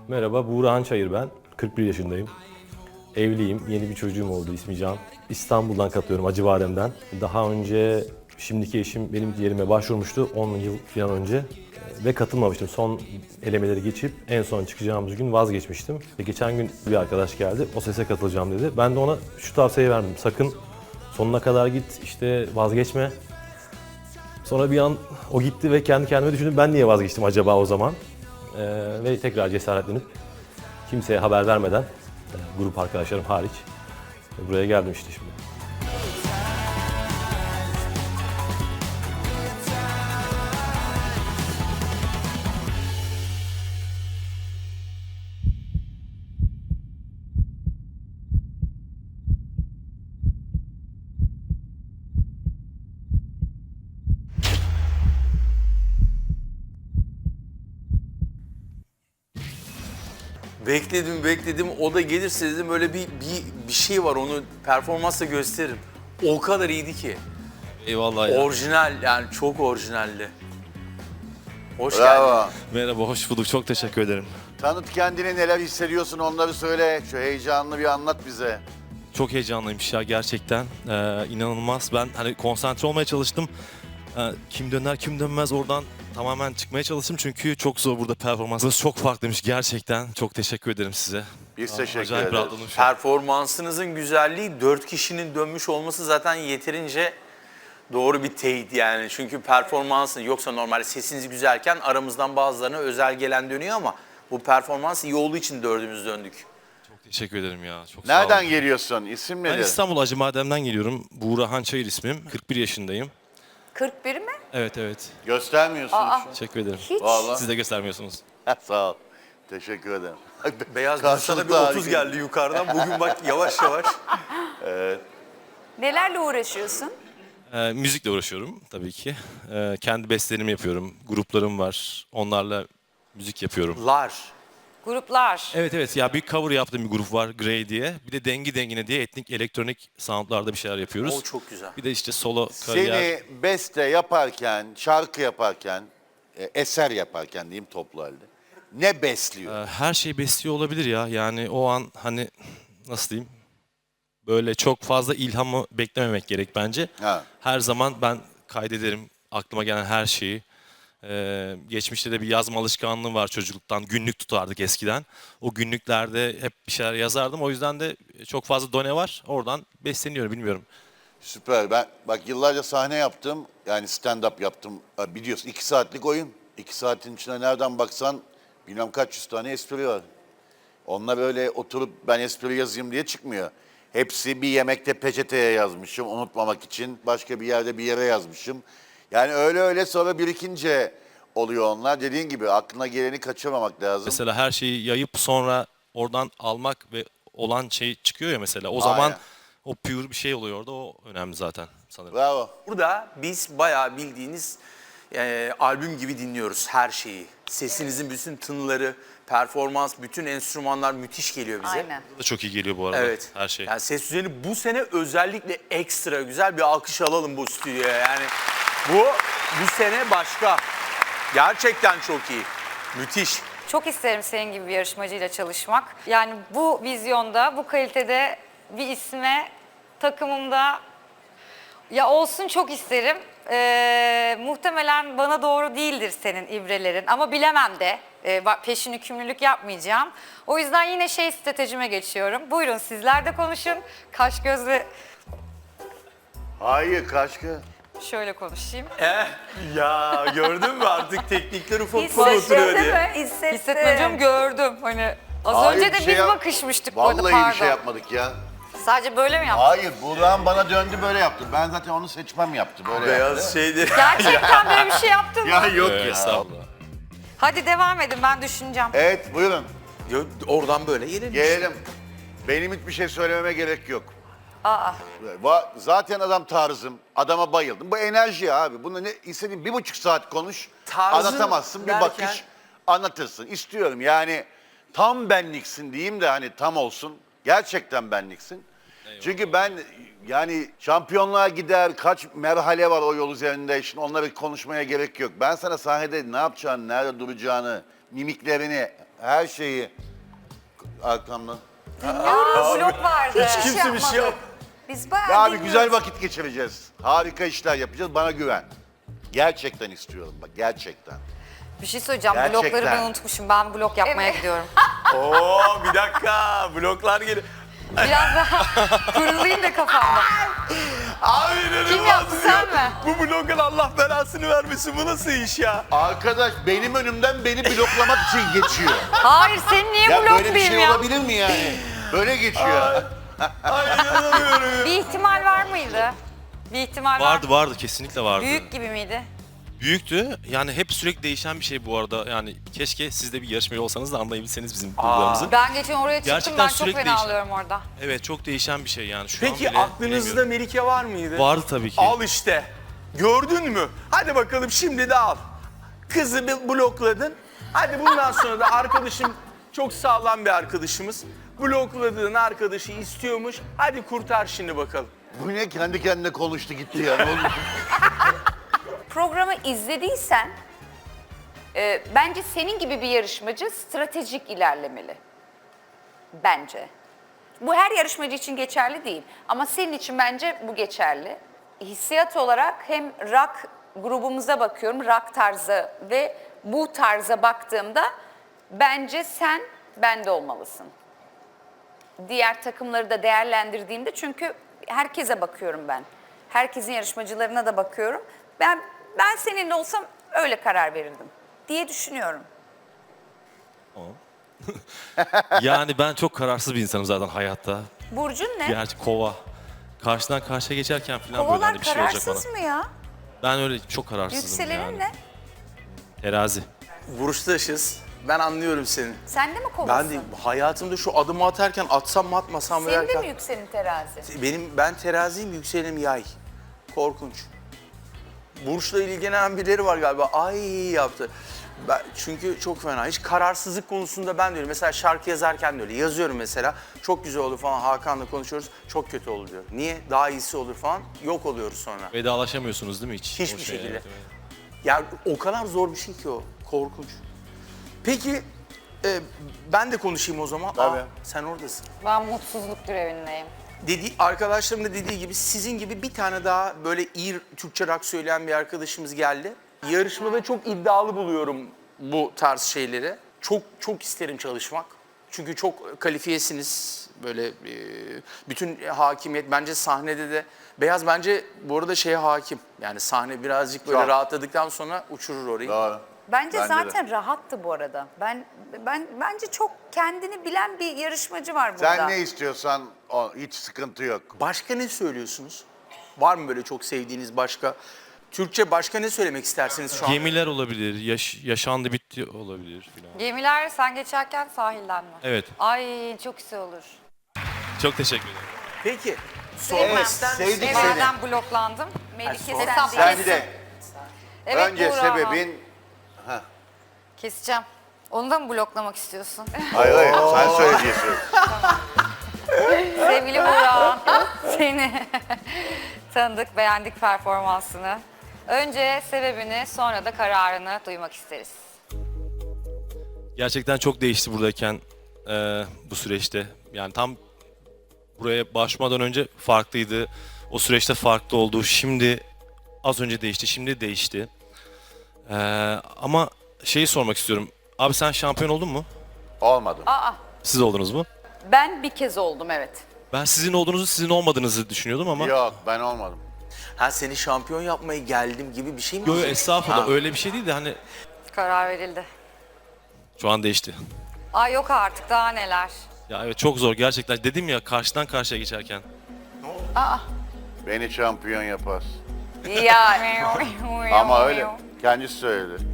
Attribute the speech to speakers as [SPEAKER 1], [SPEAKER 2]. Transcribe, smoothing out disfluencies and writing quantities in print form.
[SPEAKER 1] Merhaba, Buğra Çayır ben. 41 yaşındayım. Evliyim, yeni bir çocuğum oldu, ismi Can. İstanbul'dan katılıyorum, Acıbadem'den. Daha önce şimdiki eşim benim yerime başvurmuştu 10 yıl falan önce. Ve katılmamıştım. Son elemeleri geçip en son çıkacağımız gün vazgeçmiştim. Ve geçen gün bir arkadaş geldi, o sese katılacağım dedi. Ben de ona şu tavsiyeyi verdim, sakın sonuna kadar git, işte vazgeçme. Sonra bir an o gitti ve kendi kendime düşündüm, ben niye vazgeçtim acaba o zaman? Ve tekrar cesaretlenip kimseye haber vermeden, grup arkadaşlarım hariç, buraya geldim işte şimdi.
[SPEAKER 2] Bekledim. O da gelirse dedim böyle bir şey var, onu performansla gösteririm. O kadar iyiydi ki.
[SPEAKER 3] Eyvallah ya.
[SPEAKER 2] Orijinal, yani çok orijinaldi. Hoş
[SPEAKER 4] Bravo.
[SPEAKER 2] geldin.
[SPEAKER 3] Merhaba, hoş bulduk. Çok teşekkür ederim.
[SPEAKER 4] Tanıt kendini, neler hissediyorsun onları söyle. Şu heyecanını bir anlat bize.
[SPEAKER 3] Çok heyecanlıymış ya gerçekten. İnanılmaz. Ben hani konsantre olmaya çalıştım. Kim döner kim dönmez oradan tamamen çıkmaya çalıştım. Çünkü çok zor burada performansınız. Çok farklıymış gerçekten. Çok teşekkür ederim size.
[SPEAKER 4] Biz teşekkür
[SPEAKER 3] Acayip
[SPEAKER 4] ederiz.
[SPEAKER 3] rahatladım şu an.
[SPEAKER 2] Performansınızın güzelliği, 4 kişinin dönmüş olması zaten yeterince doğru bir teyit yani. Çünkü performansın, yoksa normalde sesiniz güzelken aramızdan bazılarına özel gelen dönüyor ama bu performans iyi olduğu için dördümüz döndük.
[SPEAKER 3] Çok teşekkür ederim ya. Çok sağ olun.
[SPEAKER 4] Nereden geliyorsun? İsim
[SPEAKER 3] Ben
[SPEAKER 4] nedir?
[SPEAKER 3] İstanbul Acıbadem'den geliyorum. Buğra Çayır ismim. 41 yaşındayım.
[SPEAKER 5] 41 mi?
[SPEAKER 3] Evet.
[SPEAKER 4] Göstermiyorsun şu.
[SPEAKER 3] Teşekkür ederim.
[SPEAKER 5] Hiç.
[SPEAKER 4] Vallahi.
[SPEAKER 3] Siz de göstermiyorsunuz.
[SPEAKER 4] Sağ ol. Teşekkür ederim.
[SPEAKER 2] Beyaz
[SPEAKER 4] Karşılıklı
[SPEAKER 2] Bursa'da bir 30
[SPEAKER 4] harika.
[SPEAKER 2] geldi yukarıdan. Bugün bak yavaş yavaş.
[SPEAKER 5] Nelerle uğraşıyorsun?
[SPEAKER 3] Müzikle uğraşıyorum tabii ki. Kendi bestelerimi yapıyorum. Gruplarım var. Onlarla müzik yapıyorum.
[SPEAKER 5] Gruplar.
[SPEAKER 3] Evet ya bir cover yaptığım bir grup var Grey diye. Bir de Dengi Dengine diye etnik elektronik soundlarda bir şeyler yapıyoruz.
[SPEAKER 2] O çok güzel.
[SPEAKER 3] Bir de işte solo kariyer.
[SPEAKER 4] Seni beste yaparken, şarkı yaparken, eser yaparken diyeyim toplu halde. Ne besliyor?
[SPEAKER 3] Her şey besliyor olabilir ya. Yani o an hani nasıl diyeyim? Böyle çok fazla ilhamı beklememek gerek bence.
[SPEAKER 4] Ha.
[SPEAKER 3] Her zaman ben kaydederim aklıma gelen her şeyi. Geçmişte de bir yazma alışkanlığı var çocukluktan. Günlük tutardık eskiden. O günlüklerde hep bir şeyler yazardım. O yüzden de çok fazla done var. Oradan besleniyorum bilmiyorum.
[SPEAKER 4] Süper. Ben bak yıllarca sahne yaptım. Yani stand-up yaptım. Biliyorsun 2 saatlik oyun. 2 saatin içinde nereden baksan bilmem kaç yüz tane espri var. Onlar böyle oturup ben espri yazayım diye çıkmıyor. Hepsi bir yemekte peçeteye yazmışım unutmamak için. Başka bir yerde bir yere yazmışım. Yani öyle sonra birikince oluyor onlar. Dediğin gibi aklına geleni kaçırmamak lazım.
[SPEAKER 3] Mesela her şeyi yayıp sonra oradan almak ve olan şey çıkıyor ya mesela. O zaman
[SPEAKER 4] Aynen.
[SPEAKER 3] o pure bir şey oluyor orada. O önemli zaten sanırım.
[SPEAKER 4] Bravo.
[SPEAKER 2] Burada biz bayağı bildiğiniz albüm gibi dinliyoruz her şeyi. Sesinizin bütün tınıları, performans, bütün enstrümanlar müthiş geliyor bize.
[SPEAKER 5] Aynen.
[SPEAKER 3] Bu da çok iyi geliyor bu arada.
[SPEAKER 2] Evet.
[SPEAKER 3] Her şey.
[SPEAKER 2] Yani ses düzeni bu sene özellikle ekstra güzel, bir alkış alalım bu stüdyoya. Yani bu sene başka. Gerçekten çok iyi. Müthiş.
[SPEAKER 5] Çok isterim senin gibi bir yarışmacıyla çalışmak. Yani bu vizyonda, bu kalitede bir isme takımımda ya olsun çok isterim. Muhtemelen bana doğru değildir senin ibrelerin ama bilemem de. Peşin hükümlülük yapmayacağım. O yüzden yine stratejime geçiyorum. Buyurun sizler de konuşun. Kaş gözle
[SPEAKER 4] Hayır kaşkı.
[SPEAKER 5] şöyle konuşayım.
[SPEAKER 2] Ya gördün mü artık teknikler ufak ufak
[SPEAKER 5] Hissettin
[SPEAKER 2] oturuyor
[SPEAKER 5] değil
[SPEAKER 2] diye.
[SPEAKER 5] mi? Hissetmediğim gördüm. Hani az
[SPEAKER 4] Hayır,
[SPEAKER 5] önce de
[SPEAKER 4] bir şey
[SPEAKER 5] biz
[SPEAKER 4] yap-
[SPEAKER 5] bakışmıştık bu arada,
[SPEAKER 4] Vallahi
[SPEAKER 5] pardon.
[SPEAKER 4] bir şey yapmadık ya.
[SPEAKER 5] Sadece böyle mi yaptın?
[SPEAKER 4] Hayır Buğra'nın bana döndü böyle yaptı. Ben zaten onu seçmem yaptı böyle yaptı.
[SPEAKER 2] Beyaz şeydi.
[SPEAKER 5] Gerçekten böyle bir şey yaptın mı?
[SPEAKER 4] Ya yok ya.
[SPEAKER 3] Estağfurullah.
[SPEAKER 5] Hadi devam edin, ben düşüneceğim.
[SPEAKER 4] Evet buyurun
[SPEAKER 2] Oradan böyle gelelim.
[SPEAKER 4] gelelim. Benim hiçbir şey söylememe gerek yok.
[SPEAKER 5] Aa,
[SPEAKER 4] Zaten adam tarzım. Adama bayıldım. Bu enerji abi. Bunu ne istediğin 1,5 saat konuş.
[SPEAKER 2] Tarzın
[SPEAKER 4] Anlatamazsın. Bir
[SPEAKER 2] derken-
[SPEAKER 4] bakış anlatırsın. İstiyorum yani tam benliksin diyeyim de hani tam olsun. Gerçekten benliksin. Çünkü ben yani şampiyonluğa gider, kaç merhale var o yol üzerinde. Şimdi onları konuşmaya gerek yok. Ben sana sahnede ne yapacağını, nerede duracağını, mimiklerini, her şeyi arkamdan.
[SPEAKER 5] Blok vardı.
[SPEAKER 2] Hiç kimse bir şey yok.
[SPEAKER 6] Biz bayağı
[SPEAKER 4] Ya abi
[SPEAKER 6] dinliyoruz.
[SPEAKER 4] güzel vakit geçireceğiz. Harika işler yapacağız. Bana güven. Gerçekten istiyorum bak, gerçekten.
[SPEAKER 5] Bir şey söyleyeceğim.
[SPEAKER 4] Gerçekten.
[SPEAKER 5] Blokları ben unutmuşum. Ben blok yapmaya gidiyorum.
[SPEAKER 2] Oo bir dakika bloklar geliyor.
[SPEAKER 5] Biraz daha kurulayım da kafamda.
[SPEAKER 2] Abi inanılmaz
[SPEAKER 5] Kim yaptı, sen
[SPEAKER 2] ya.
[SPEAKER 5] mi?
[SPEAKER 2] Bu blokun Allah belasını vermesin, bu nasıl iş ya?
[SPEAKER 4] Arkadaş benim önümden beni bloklamak için geçiyor.
[SPEAKER 5] Hayır, seni niye
[SPEAKER 4] Ya böyle bir
[SPEAKER 5] bloklayayım
[SPEAKER 4] şey
[SPEAKER 5] ya?
[SPEAKER 4] olabilir mi yani? Böyle geçiyor.
[SPEAKER 2] Ay inanamıyorum ya.
[SPEAKER 5] Bir ihtimal var mıydı? Bir ihtimal
[SPEAKER 3] Vardı
[SPEAKER 5] var.
[SPEAKER 3] vardı kesinlikle vardı.
[SPEAKER 5] Büyük gibi miydi?
[SPEAKER 3] Büyüktü. Yani hep sürekli değişen bir şey bu arada. Yani keşke siz de bir yarışmacı olsanız da anlayabilseniz bizim duygularımızı.
[SPEAKER 5] Ben geçen oraya çıktım.
[SPEAKER 3] Gerçekten
[SPEAKER 5] Ben çok
[SPEAKER 3] sürekli
[SPEAKER 5] fena
[SPEAKER 3] değişen.
[SPEAKER 5] alıyorum orada.
[SPEAKER 3] Evet çok değişen bir şey yani. Şu
[SPEAKER 2] Peki
[SPEAKER 3] an bile
[SPEAKER 2] aklınızda
[SPEAKER 3] bilemiyorum.
[SPEAKER 2] Melike var mıydı?
[SPEAKER 3] Vardı tabii ki.
[SPEAKER 2] Al işte. Gördün mü? Hadi bakalım şimdi de al. Kızı bir blokladın. Hadi bundan sonra da arkadaşım çok sağlam bir arkadaşımız. Blokladığın arkadaşı istiyormuş. Hadi kurtar şimdi bakalım.
[SPEAKER 4] Bu ne kendi kendine konuştu gitti ya. Ne oldu?
[SPEAKER 6] Programı izlediysen bence senin gibi bir yarışmacı stratejik ilerlemeli. Bence. Bu her yarışmacı için geçerli değil. Ama senin için bence bu geçerli. Hissiyat olarak hem rock grubumuza bakıyorum, rock tarzı ve bu tarza baktığımda bence sen bende olmalısın. Diğer takımları da değerlendirdiğimde çünkü herkese bakıyorum ben. Herkesin yarışmacılarına da bakıyorum. Ben seninle olsam öyle karar verirdim diye düşünüyorum.
[SPEAKER 3] Yani ben çok kararsız bir insanım zaten hayatta.
[SPEAKER 6] Burcun ne?
[SPEAKER 3] Gerçi kova. Karşıdan karşıya geçerken falan böyle
[SPEAKER 6] Kovalar
[SPEAKER 3] hani bir şey olacak bana.
[SPEAKER 6] kararsız mı ya?
[SPEAKER 3] Ben öyle çok kararsızım
[SPEAKER 6] Yükselenin
[SPEAKER 3] yani.
[SPEAKER 6] ne?
[SPEAKER 3] Terazi.
[SPEAKER 2] Burçtaşız. Ben anlıyorum seni.
[SPEAKER 6] Sen de mi kovasın?
[SPEAKER 2] Ben de hayatımda şu adımı atarken atsam mı atmasam mı
[SPEAKER 6] Senin de
[SPEAKER 2] derken.
[SPEAKER 6] mi yükselen terazi?
[SPEAKER 2] Ben teraziyim, yükselenim yay. Korkunç. Burçla ilgilenen birileri var galiba. Ay yaptı. Çünkü çok fena. Hiç kararsızlık konusunda ben de öyle. Mesela şarkı yazarken de öyle. Yazıyorum mesela. Çok güzel olur falan. Hakan'la konuşuyoruz. Çok kötü olur diyor. Niye? Daha iyisi olur falan. Yok oluyoruz sonra.
[SPEAKER 3] Vedalaşamıyorsunuz değil mi hiç?
[SPEAKER 2] Hiçbir
[SPEAKER 3] O
[SPEAKER 2] şekilde.
[SPEAKER 3] evet, evet.
[SPEAKER 2] Ya o kadar zor bir şey ki o. Korkunç. Peki ben de konuşayım o zaman.
[SPEAKER 4] Tabii.
[SPEAKER 2] Sen oradasın.
[SPEAKER 5] Ben mutsuzluk grevindeyim.
[SPEAKER 2] Arkadaşlarım da dediği gibi sizin gibi bir tane daha böyle iyi Türkçe rock söyleyen bir arkadaşımız geldi. Yarışmada çok iddialı buluyorum bu tarz şeyleri. Çok isterim çalışmak. Çünkü çok kalifiyesiniz. Böyle bütün hakimiyet bence sahnede de. Beyaz bence bu arada şeye hakim. Yani sahne birazcık böyle
[SPEAKER 4] Çok.
[SPEAKER 2] rahatladıktan sonra uçurur orayı.
[SPEAKER 4] Doğru.
[SPEAKER 6] Bence
[SPEAKER 4] Bence
[SPEAKER 6] zaten rahattı bu arada. Bence çok kendini bilen bir yarışmacı var burada.
[SPEAKER 4] Sen ne istiyorsan hiç sıkıntı yok.
[SPEAKER 2] Başka ne söylüyorsunuz? Var mı böyle çok sevdiğiniz başka? Türkçe başka ne söylemek istersiniz şu an?
[SPEAKER 3] Gemiler olabilir, yaşandı bitti olabilir filan.
[SPEAKER 5] Gemiler sen geçerken sahilden mi?
[SPEAKER 3] Evet,
[SPEAKER 5] Ay çok güzel olur.
[SPEAKER 3] çok teşekkür ederim.
[SPEAKER 2] Peki. Sormak ister misin?
[SPEAKER 4] sevdik seni.
[SPEAKER 5] Evvelden bloklandım.
[SPEAKER 6] Melike
[SPEAKER 2] sonra-
[SPEAKER 6] sen
[SPEAKER 5] Hesap-
[SPEAKER 6] değil.
[SPEAKER 4] Sen de
[SPEAKER 5] Evet,
[SPEAKER 4] önce
[SPEAKER 5] Buğra.
[SPEAKER 4] sebebin...
[SPEAKER 5] Keseceğim. Onu da mı bloklamak istiyorsun?
[SPEAKER 4] Hayır hayır sen söyleyeceksin.
[SPEAKER 5] Sevgili Buğra, seni tanıdık, beğendik performansını. Önce sebebini, sonra da kararını duymak isteriz.
[SPEAKER 3] Gerçekten çok değişti buradayken bu süreçte. Yani tam buraya başlamadan önce farklıydı. O süreçte farklı oldu. Şimdi az önce değişti, şimdi değişti. Ama şeyi sormak istiyorum. Abi sen şampiyon oldun mu?
[SPEAKER 4] Olmadım.
[SPEAKER 3] Siz oldunuz mu?
[SPEAKER 6] Ben bir kez oldum evet.
[SPEAKER 3] Ben sizin olduğunuzu, sizin olmadığınızı düşünüyordum ama...
[SPEAKER 4] Yok ben olmadım.
[SPEAKER 2] Ha seni şampiyon yapmaya geldim gibi bir şey mi?
[SPEAKER 3] Yo,
[SPEAKER 2] oldu?
[SPEAKER 3] estağfurullah
[SPEAKER 2] Ha.
[SPEAKER 3] öyle bir şey değil de hani
[SPEAKER 5] Karar verildi.
[SPEAKER 3] şu an değişti.
[SPEAKER 5] Ay yok artık, daha neler.
[SPEAKER 3] Ya evet çok zor gerçekten. Dedim ya karşıdan karşıya geçerken.
[SPEAKER 4] Beni şampiyon yapar.
[SPEAKER 6] Ya
[SPEAKER 4] Ama öyle. Kendisi söyledi.